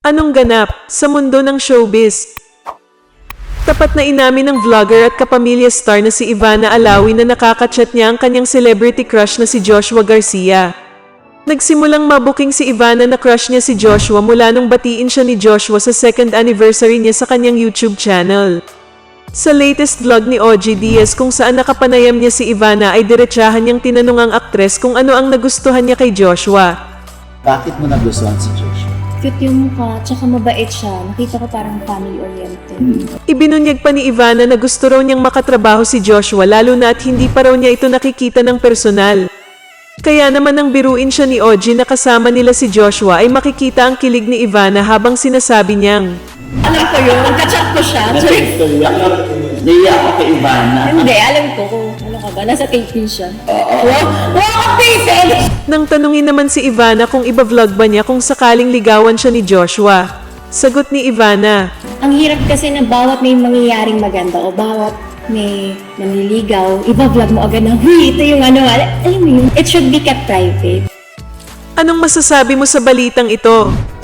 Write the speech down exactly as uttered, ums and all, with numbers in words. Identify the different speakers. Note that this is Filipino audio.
Speaker 1: Anong ganap sa mundo ng showbiz? Tapat na inamin ng vlogger at kapamilya star na si Ivana Alawi na nakakachat niya ang kanyang celebrity crush na si Joshua Garcia. Nagsimulang mabuking si Ivana na crush niya si Joshua mula nung batiin siya ni Joshua sa second anniversary niya sa kanyang YouTube channel. Sa latest vlog ni O G Diaz kung saan nakapanayam niya si Ivana ay diretsahan niyang tinanong ang aktres kung ano ang nagustuhan niya kay Joshua.
Speaker 2: Bakit mo nagustuhan si Joshua?
Speaker 3: Cute yung mukha, tsaka mabait siya. Nakita ko parang family-oriented.
Speaker 1: Ibinunyag pa ni Ivana na gusto raw niyang makatrabaho si Joshua lalo na at hindi pa raw niya ito nakikita ng personal. Kaya naman nang biruin siya ni O G na kasama nila si Joshua ay makikita ang kilig ni Ivana habang sinasabi niyang,
Speaker 3: Alam ko yun, kachat ko siya.
Speaker 2: Naiya ako kay Ivana.
Speaker 3: Hindi, alam ko kung ano ka ba, nasa taping siya. Wow, wow, taping!
Speaker 1: Nang tanungin naman si Ivana kung iba-vlog ba niya kung sakaling ligawan siya ni Joshua. Sagot ni Ivana,
Speaker 3: Ang hirap kasi na bawat may mangyayaring maganda o bawat may nanliligaw, iba-vlog mo agad na, huy, ito yung ano, al- alam mo yun, it should be kept private.
Speaker 1: anong masasabi mo sa balitang ito?